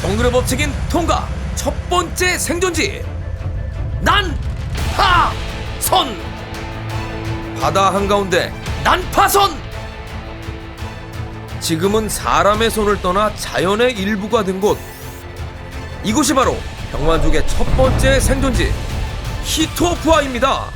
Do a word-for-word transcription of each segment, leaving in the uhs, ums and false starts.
정글의 법칙인 통과 첫 번째 생존지 난파선. 바다 한가운데 난파선. 지금은 사람의 손을 떠나 자연의 일부가 된 곳. 이곳이 바로 병만족의 첫 번째 생존지 히토푸아입니다.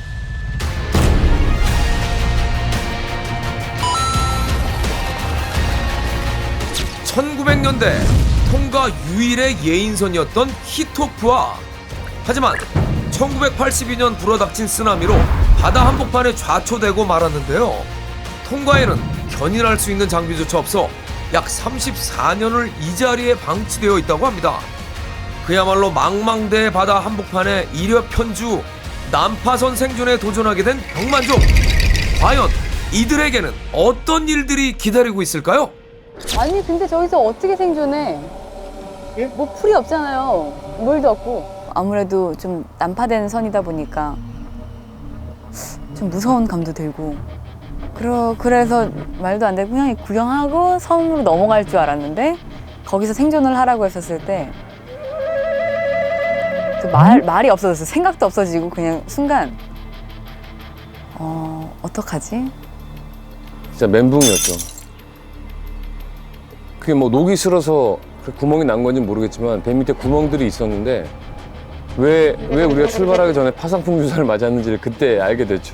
천구백 년대 통가 유일의 예인선이었던 히토푸아. 하지만 천구백팔십이 년 불어닥친 쓰나미로 바다 한복판에 좌초되고 말았는데요. 통가에는 견인할 수 있는 장비조차 없어 약 삼십사 년을 이 자리에 방치되어 있다고 합니다. 그야말로 망망대해 바다 한복판에 일여편주 난파선 생존에 도전하게 된 병만족. 과연 이들에게는 어떤 일들이 기다리고 있을까요? 아니 근데 저기서 어떻게 생존해? 뭐 풀이 없잖아요. 물도 없고. 아무래도 좀 난파된 선이다 보니까 좀 무서운 감도 들고 그러, 그래서 말도 안 되고 그냥 구경하고 섬으로 넘어갈 줄 알았는데 거기서 생존을 하라고 했었을 때 그 말, 말이 없어졌어요. 생각도 없어지고 그냥 순간 어, 어떡하지? 진짜 멘붕이었죠. 그게 뭐 녹이 슬어서 그 구멍이 난 건지 모르겠지만 배 밑에 구멍들이 있었는데 왜, 왜 우리가 출발하기 전에 파상풍 주사를 맞았는지를 그때 알게 됐죠.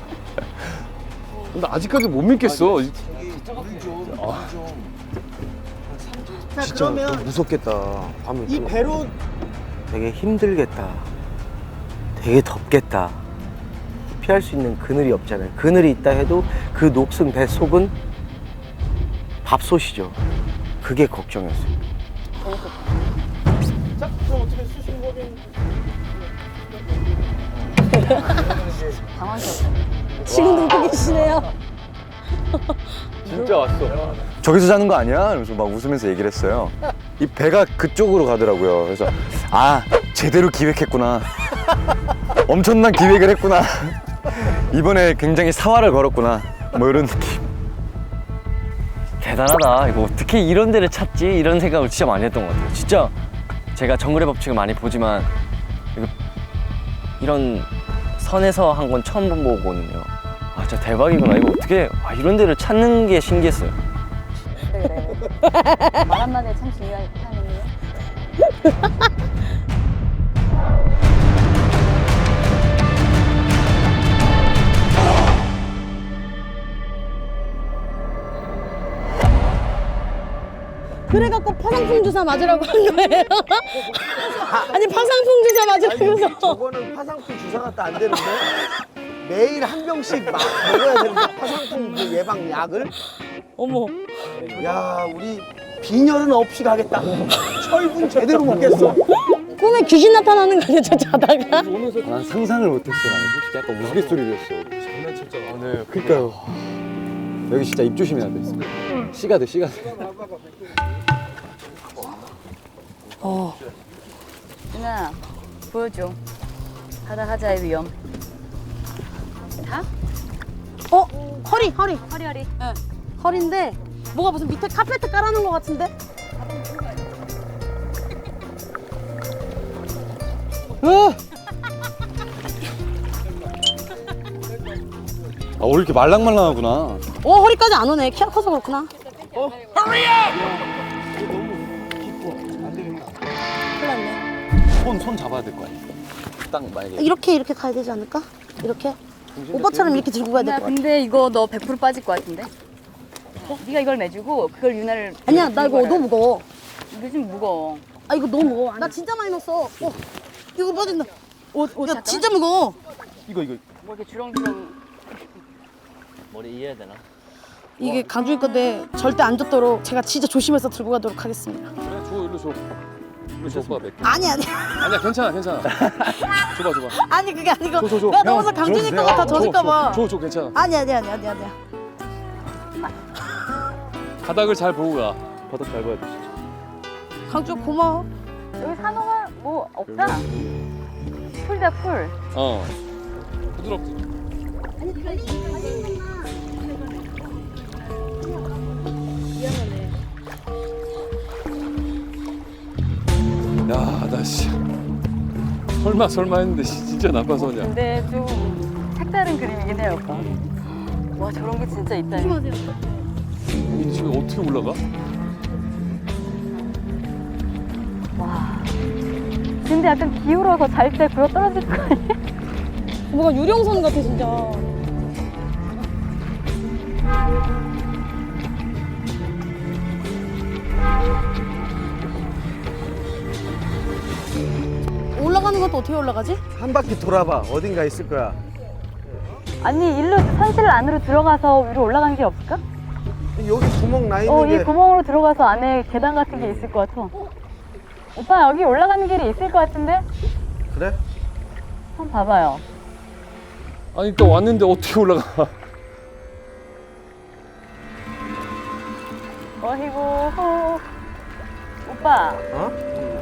나 아직까지 못 믿겠어. 자, 진짜 그러면 무섭겠다. 밤에 이 또 배로 되게 힘들겠다. 되게 덥겠다. 피할 수 있는 그늘이 없잖아요. 그늘이 있다 해도 그 녹슨 배 속은 밥솥이죠. 그게 걱정이었어요. 자, 그럼 어떻게 수신거긴 당황스럽다. 지금 듣고 계시네요. 진짜 왔어. 저기서 자는 거 아니야? 이러면서 막 웃으면서 얘기를 했어요. 이 배가 그쪽으로 가더라고요. 그래서 아 제대로 기획했구나. 엄청난 기획을 했구나. 이번에 굉장히 사활을 걸었구나. 뭐 이런 느낌. 대단하다. 이거 어떻게 이런 데를 찾지? 이런 생각을 진짜 많이 했던 것 같아요. 진짜 제가 정글의 법칙을 많이 보지만 이거 이런 선에서 한 건 처음 본 거거든요. 아 진짜 대박이구나. 이거 어떻게 아, 이런 데를 찾는 게 신기했어요. 그래 그래. 말 한마디에 참 중요한 타이밍이에요. 그래갖고 파상풍 주사 맞으라고 한 거예요. 아니 파상풍 주사 맞으라면서. 저거는 파상풍 주사 같다 안 되는데 매일 한 병씩 막 먹어야 되는데 파상풍 그 예방 약을. 어머. 야, 우리 빈혈은 없이 가겠다. 철분 제대로 먹겠어. 꿈에 귀신 나타나는 거 아니야 저 자다가? 난 상상을 못했어. 나는 솔직히 약간 우스갯소리를 했어. 장난쳤잖아. 네. 그러니까요. 여기 진짜 입 조심해야 돼. 씨가 돼, 씨가 돼. 어. 누나 보여줘. 바다 하자의 위험. 다? 어? 허리 허리. 허리 허리. 네. 허리인데 뭐가 무슨 밑에 카페트 깔아놓은 것 같은데? 아, 왜 이렇게 말랑말랑하구나. 어 허리까지 안 오네. 키가 커서 그렇구나. 큰일 났네. 손, 손 잡아야 될 거 아니야. 딱 만약에. 이렇게 이렇게 가야 되지 않을까? 이렇게? 오빠처럼 이렇게 들고 가야 될 누나 것 같아. 근데 이거 너 백 퍼센트 빠질 것 같은데? 어? 네가 이걸 내주고 그걸 유나를 아니야 나 이거 너무 무거워. 이거 좀 무거워. 아 이거 너무 무거워. 나 진짜 많이 넣었어. 어. 이거 빠진다. 옷, 옷 야 잠깐만. 진짜 무거워. 이거, 이거. 뭐 이렇게 주렁주렁. 머리 이해야 되나? 이게 강준이 건데 절대 안 젖도록 제가 진짜 조심해서 들고 가도록 하겠습니다. 그래, 줘, 일로 줘. 일로 줘, 오빠 몇 개. 아니 아니 아니야, 괜찮아, 괜찮아. 줘봐, 줘봐. 아니 그게 아니고 줘, 줘, 줘. 내가 형, 넣어서 강준이 줘주세요. 거가 다 젖을까 봐. 줘, 줘, 괜찮아. 아니 아니 아니 아니 아니야. 바닥을 잘 보고 가. 바닥 잘 봐야 돼. 강준 고마워. 여기 산호가 뭐 없다. 풀다 풀. 어. 부드럽지. 야, 나 씨. 설마 설마 했는데 씨, 진짜 나빠서냐. 근데 좀 색다른 그림이긴 해요, 오빠. 와, 저런 게 진짜 있다. 이 집에 어떻게 올라가? 와. 근데 약간 기울어서 잘 때 굴러 떨어질 거 아니야? 뭔가 유령선 같아 진짜. 올라가는 것도 어떻게 올라가지? 한 바퀴 돌아봐. 어딘가 있을 거야. 아니, 일로 산실 안으로 들어가서 위로 올라가는 게 없을까? 여기 구멍 나 있는 어, 게 이 구멍으로 들어가서 안에 계단 같은 게 있을 것 같아. 오빠, 여기 올라가는 길이 있을 것 같은데? 그래? 한번 봐봐요. 아니, 또 왔는데 어떻게 올라가? 어이구, 호. 오빠, 어?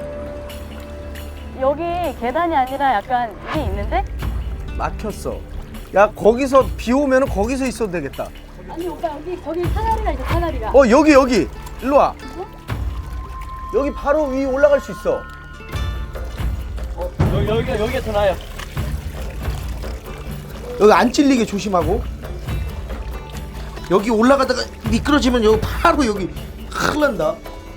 여기 계단이 아니라 약간 이게 있는데? 막혔어. 야 거기서 비 오면은 거기서 있어도 되겠다. 아니, 오빠, 여기, 저기 사다리가 있어, 사다리가. 어 여기 여기 일로 와. 여기 바로 위 올라갈 수 있어. 여기, 여기가, 여기가 더 나아요. 여기 안 찔리게 조심하고. 여기 올라가다가 미끄러지면 여기 바로 여기 큰일 난다.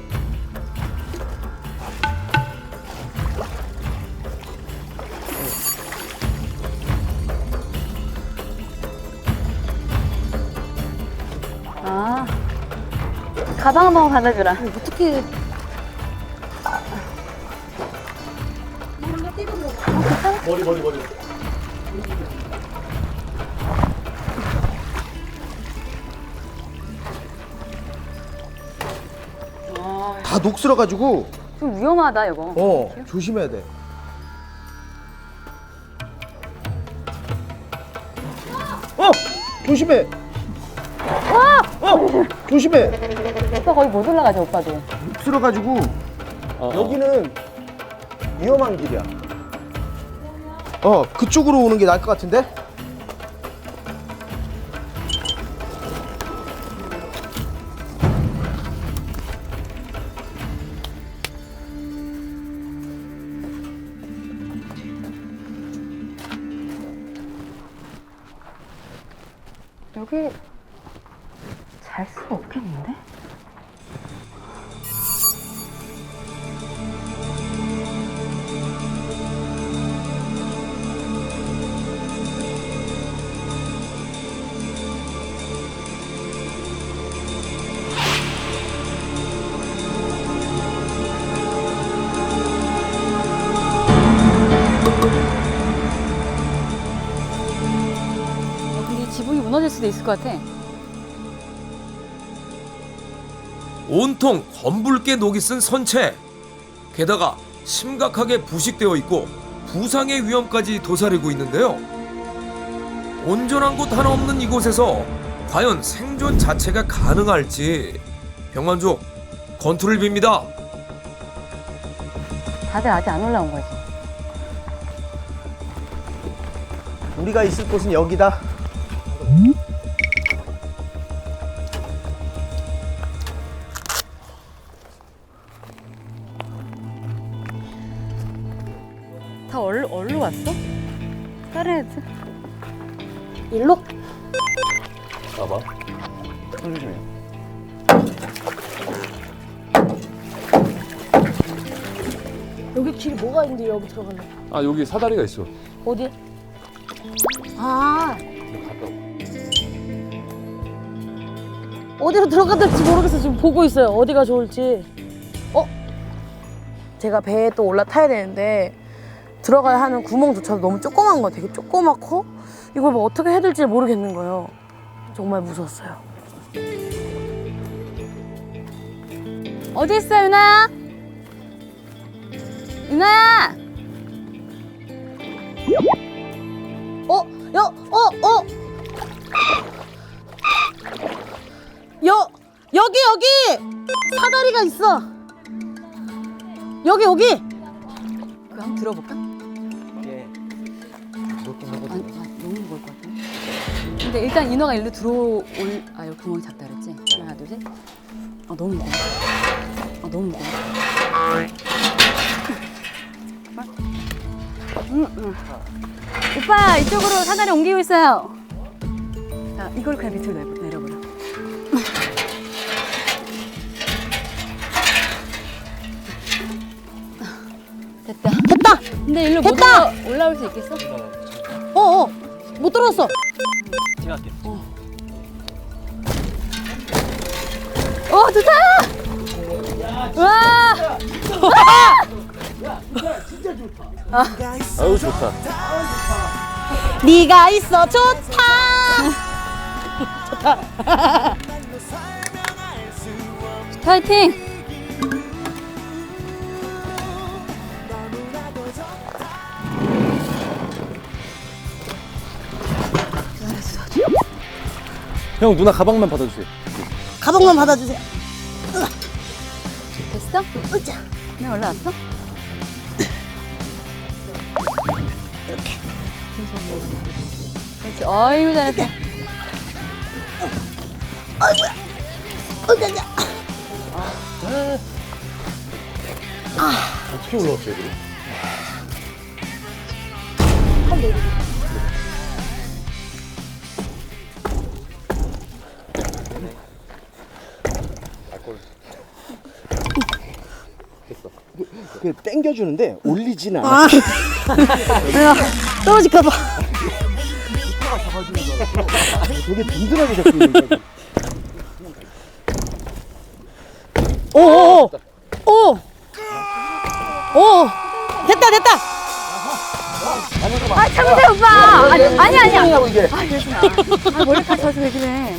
아, 가방 한번 받아주라. 어떻게? 머리 머리 머리. 다 녹슬어가지고 좀 위험하다, 이거. 어 조심해야 돼. 어 조심해. 어 조심해. 오빠 거의 못 올라가죠, 오빠도. 녹슬어가지고 어, 여기는 위험한 길이야. 어 그쪽으로 오는 게 나을 것 같은데? 여기 잘 수 없겠는데? 어, 근데 이 지붕이 무너질 수도 있을 것 같아. 온통 검붉게 녹이 쓴 선체. 게다가 심각하게 부식되어 있고 부상의 위험까지 도사리고 있는데요. 온전한 곳 하나 없는 이곳에서 과연 생존 자체가 가능할지 병만족 건투를 빕니다. 다들 아직 안 올라온 거지. 우리가 있을 곳은 여기다. 다 얼, 얼로 왔어? 다른 애들? 일로? 봐봐. 손 조심해. 여기 길이 뭐가 있는데 여기 들어가려? 아, 여기 사다리가 있어. 어디? 아 갔다 오. 어디로 들어가야 될지 모르겠어. 지금 보고 있어요. 어디가 좋을지. 어? 제가 배에 또 올라타야 되는데 들어가야 하는 구멍조차도 너무 조그만 거, 되게 조그맣고 이걸 뭐 어떻게 해야 될지 모르겠는 거예요. 정말 무서웠어요. 어디 있어, 유나야? 유나야! 어? 여, 어, 어? 여, 여기, 여기! 사다리가 있어! 여기, 여기! 그거 한번 들어볼까? 예. 아니, 아, 너무 무거울 것 같아. 근데 일단 인어가 일로 들어올, 아, 여기 구멍이 작다 그랬지? 하나, 둘, 셋. 아, 너무 무거워. 아, 너무 무거워. 오빠 이쪽으로 사다리 옮기고 있어요. 자, 이걸 그냥 밑으로 내려, 내려버려. 됐다. 됐다. 근데 일로 못 됐다! 올라, 올라올 수 있겠어? 어어 못 들었어. 제가 할게요. 어, 좋다! 와! 아유 좋다. 네가 있어 좋다. 파이팅! 형 누나 가방만 받아주세요. 가방만 받아주세요. 됐어? 으자. 네, 올라왔어? 이렇게. 그렇지. 어이구, 잘했다. 어떻게 올라왔어요? 그래? 그 땡겨주는데 올리진 않아. 아. 떨어질까봐. 되게 든든하게 잡고 있는 거야. 오오오. 오. 오. 됐다 됐다. 아, 참으세요, 오빠! 아니, 아니, 아니야. 이게. 아, 그러지 마. 아, 머리카락 져서 왜 그래.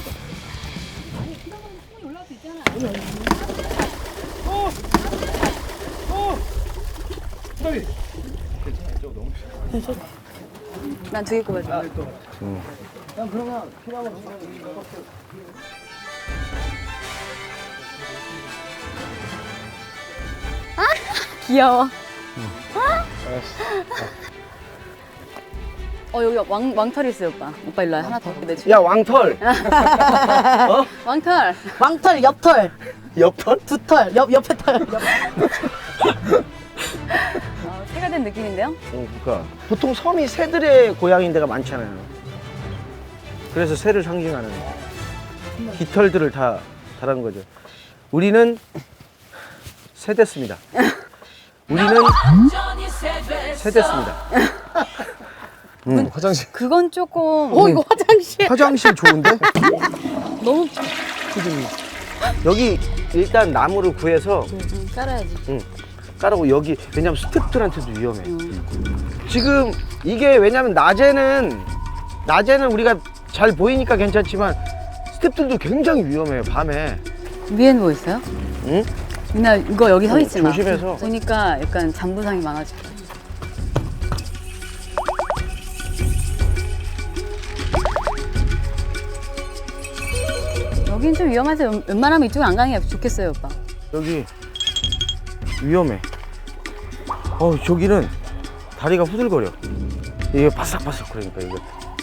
난 두 개 꼽아줘. 아, 귀여워. 어, 여기 왕, 왕털 있어요, 오빠. 오빠 일로 와. 하나 더 내줘. 야 왕털. 왕털. 왕털, 옆털, 옆털? 두털, 옆 옆에 털. 어, 새가 된 느낌인데요? 어, 그러니까 보통 섬이 새들의 고향인 데가 많잖아요. 그래서 새를 상징하는 깃털들을 다 달한 거죠. 우리는 새 됐습니다. 우리는 새 됐습니다. 음, 화장실. 그건 조금 오 이거 화장실. 화장실 좋은데? 너무 여기 일단 나무를 구해서 음, 깔아야지. 깔아고 여기 왜냐면 스태프들한테도 위험해. 지금 이게 왜냐면 낮에는 낮에는 우리가 잘 보이니까 괜찮지만 스태프들도 굉장히 위험해요 밤에. 위엔 뭐 있어요? 응? 유나 이거 여기 서 어, 있지 마. 조심해서. 보니까 약간 잠부상이 많아질 거야. 여긴 좀 위험해서 웬- 웬만하면 이쪽은 안 가는 게 좋겠어요, 오빠. 여기 위험해. 어 저기는 다리가 후들거려. 이게 바삭바삭 그러니까 이거.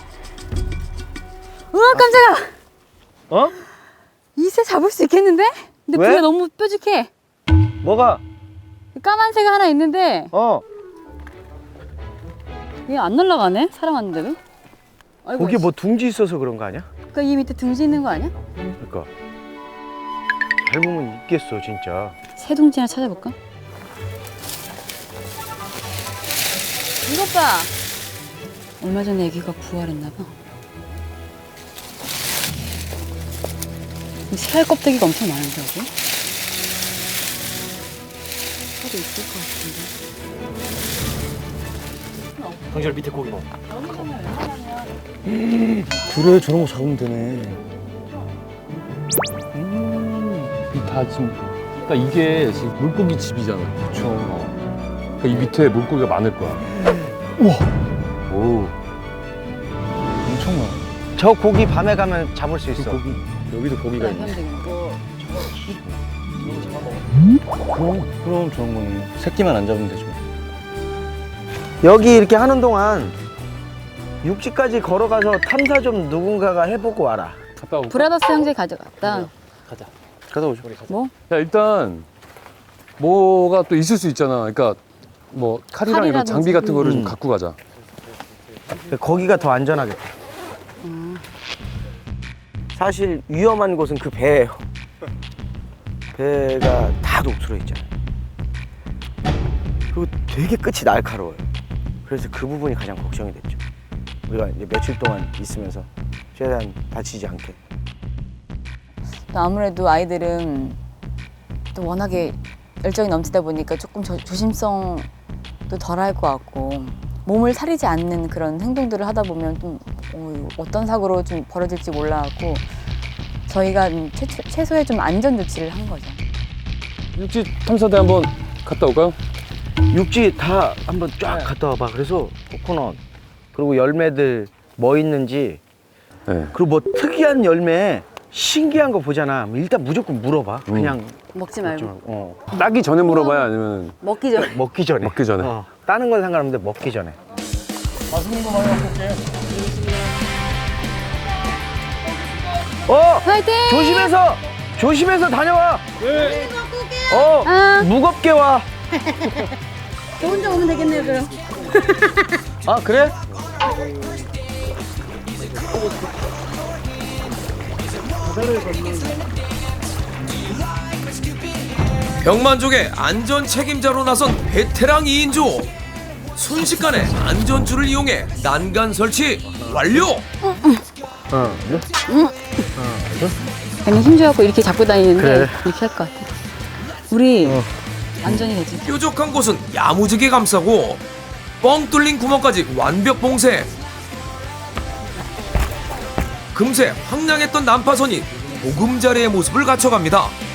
우와, 깜짝아! 어? 이 새 잡을 수 있겠는데? 근데 왜? 부가 너무 뾰족해. 뭐가? 까만 새가 하나 있는데 어 이게 안 날아가네? 사람 왔는데도? 아이고, 거기 뭐 둥지 있어서 그런 거 아니야? 그러니까 이 밑에 둥지 있는 거 아니야? 그러니까 잘 보면 있겠어 진짜. 새 둥지 하나 찾아볼까? 이것 봐! 얼마 전에 애기가 부활했나 봐. 이 새알 껍데기가 엄청 많은데, 여기? 새도 있을 것 같은데. 강철 밑에 고기 넣어. 그래 저런 거 잡으면 되네. 음, 이다 지금. 그러니까 이게 지금 물고기 집이잖아. 그렇죠. 그러니까 이 밑에 물고기가 많을 거야. 우와. 오. 엄청 많아. 저 고기 밤에 가면 잡을 수 있어. 고기 여기도 고기가 네, 있네. 하면 되겠네. 그럼 그럼 좋은 거네. 새끼만 안 잡으면 되죠. 여기 이렇게 하는 동안 육지까지 걸어가서 탐사 좀 누군가가 해보고 와라. 갔다 오고. 브라더스 형제 가져갔다. 가자. 갔다 오죠. 뭐? 야 일단 뭐가 또 있을 수 있잖아. 그러니까 뭐 칼이랑 이런 칼이라든지. 장비 같은 거를 좀 음. 갖고 가자. 거기가 더 안전하겠다. 사실 위험한 곳은 그 배예요. 배가 다 녹슬어 있잖아요. 그리고 되게 끝이 날카로워요. 그래서 그 부분이 가장 걱정이 됐죠. 우리가 이제 며칠 동안 있으면서 최대한 다치지 않게. 또 아무래도 아이들은 또 워낙에 열정이 넘치다 보니까 조금 조, 조심성도 덜할 것 같고 몸을 사리지 않는 그런 행동들을 하다 보면 좀 어, 어떤 사고로 좀 벌어질지 몰라갖고 저희가 좀 최, 최- 최소의 좀 안전 조치를 한 거죠. 육지 탐사대 한번 갔다 올까요? 육지 다 한번 쫙 갔다 와봐. 그래서 코코넛 그리고 열매들 뭐 있는지 네. 그리고 뭐 특이한 열매 신기한 거 보잖아. 일단 무조건 물어봐. 그냥 먹지 먹지 말고 말고. 어. 따기 전에 물어봐요, 아니면 먹기 전에. 먹기 전에. 먹기 전에. 어. 따는 건 상관없는데 먹기 전에. 맛있는 거 많이 갖고 올게. 어! 화이팅! 조심해서! 조심해서 다녀와! 네. 어! 아. 무겁게 와! 저 혼자 오면 되겠네요 그럼. 아, 그래? 병만족의 안전 책임자로 나선 베테랑 이 인조. 순식간에 안전줄을 이용해 난간 설치 완료. 어. 그냥 힘줘갖고 이렇게 잡고 다니는데 그래. 이렇게 할 것 같아. 우리 안전이 되지. 뾰족한 곳은 야무지게 감싸고 뻥 뚫린 구멍까지 완벽 봉쇄. 금세 황량했던 난파선이 보금자리의 모습을 갖춰갑니다.